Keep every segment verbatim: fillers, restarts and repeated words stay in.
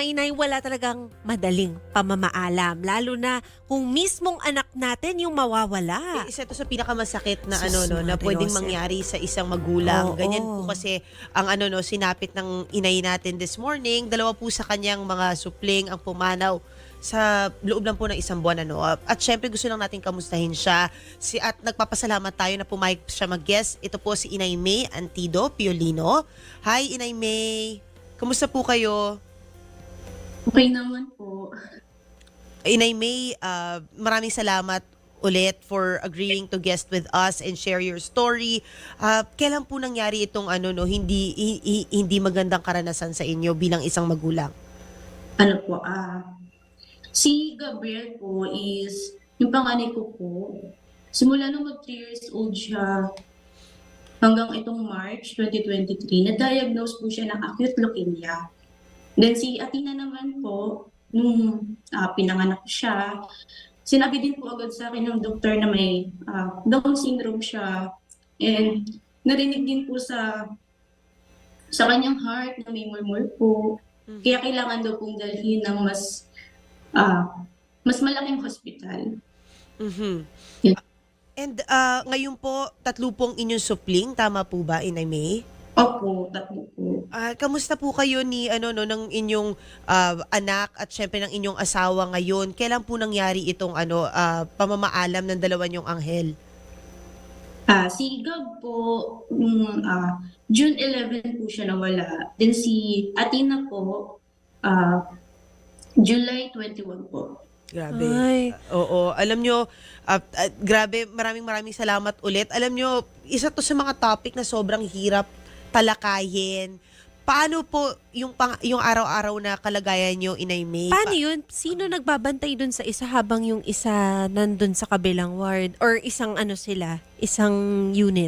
inay, wala talagang madaling pamamaalam. Lalo na kung mismong anak natin yung mawawala. Eh, isa to sa pinakamasakit na Sus, ano no na Madre pwedeng Jose. mangyari sa isang magulang. Oo. Ganyan po kasi ang ano no sinapit ng inay natin this morning. Dalawa po sa kanyang mga supling ang pumanaw sa loob lang po ng isang buwan ano. At syempre gusto lang natin kamustahin siya. Si at nagpapasalamat tayo na pumayag siya mag-guest. Ito po si Inay May Antido Piolino. Hi Inay May. Kamusta po kayo? Okay naman po. Inay May, uh, maraming salamat ulit for agreeing to guest with us and share your story. Uh, kailan po nangyari itong ano no hindi hi- hi- hindi magandang karanasan sa inyo bilang isang magulang? Ano po, ah, si Gabriel po is, yung panganay ko po, simula nung mag three years old siya, hanggang itong March twenty twenty-three, na-diagnose po siya ng acute leukemia. Then si Athena naman po, nung ah, pinanganak ko siya, sinabi din po agad sa akin ng doktor na may ah, Down syndrome siya. And narinig din po sa sa kanyang heart na may murmur po. Kaya kailangan daw pong dalhin ng mas ah, mas malaking hospital. Mhm. Yeah. And uh, ngayon po, tatlo pong inyong supling, tama po ba, Inay May? Opo, tatlo po. Ah, kamusta po kayo ni ano no ng inyong ah, anak at syempre ng inyong asawa ngayon? Kailan po nangyari itong ano ah, pamamaalam ng dalawa niyong anghel? Ah, si Gab po, nung ah, June eleventh po siya nawala. Then si Athena po, ah, July twenty-one po. Grabe. Ay. Oo, alam nyo, ah, ah, grabe, maraming maraming salamat ulit. Alam nyo, isa to sa mga topic na sobrang hirap talakayin. Paano po yung pang, yung araw-araw na kalagayan nyo, Inay May? Paano yun? Sino nagbabantay dun sa isa habang yung isa nandun sa kabilang ward? Or isang ano sila? Isang unit?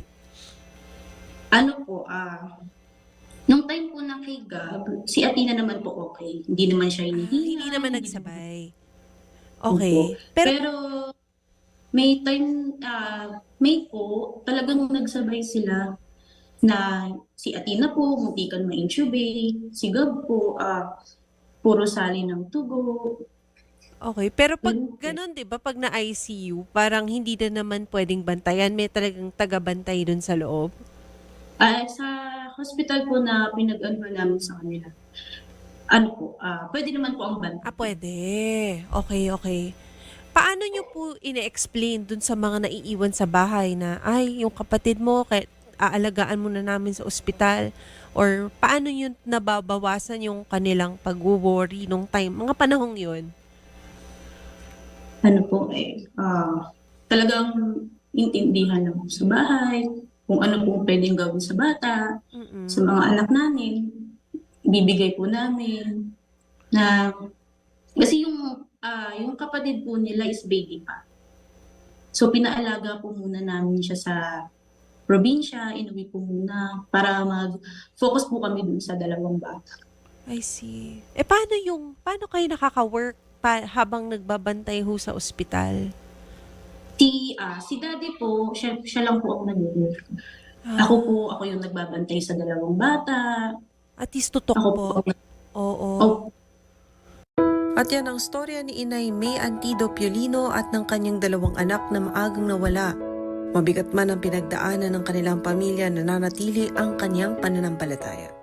Ano po, ah, nung time po na kay Gab, si Athena naman po okay. Hindi naman siya hinihina. Hindi naman nagsabay. Okay. Opo. Pero, Pero may time, ah, May po, talagang nagsabay sila na si Athena po, muntikan ma-intubate, si Gab po, ah, puro sali ng tugo. okay. Pero pag Mm. ganun, di ba? Pag na-I C U, parang hindi na naman pwedeng bantayan. May talagang taga-bantay dun sa loob. Ah, sa hospital po na pinag-ano namin sa kanila, ano po, ah, pwede naman po ang bantay. Ah, pwede. Okay, okay. Paano nyo po ine-explain dun sa mga naiiwan sa bahay na, ay, yung kapatid mo, kay, aalagaan mo na namin sa ospital? Or paano nyo nababawasan yung kanilang pag-worry nung time, mga panahong yun? Ano po eh, ah, talagang intindihan lang po sa bahay, kung ano po pwedeng gawin sa bata, Mm-mm. sa mga anak namin, bibigay po namin na kasi yung ah, yung kapatid po nila is baby pa. So pinaalaga po muna namin siya sa probinsya, inuwi po muna para mag-focus po kami dun sa dalawang bata. I see. Eh, paano yung, paano kayo nakaka-work pa, habang nagbabantay ho sa ospital? Si ah, si Daddy po, siya, siya lang po ako nag-work. Ah, Ako po, ako yung nagbabantay sa dalawang bata. at least tutok Ako po. po, Oo. oh, At yan ang storya ni Inay May Antido Piolino at ng kanyang dalawang anak na maagang nawala. Mabigat man ang pinagdaanan ng kanilang pamilya, nananatili ang kanyang pananampalataya.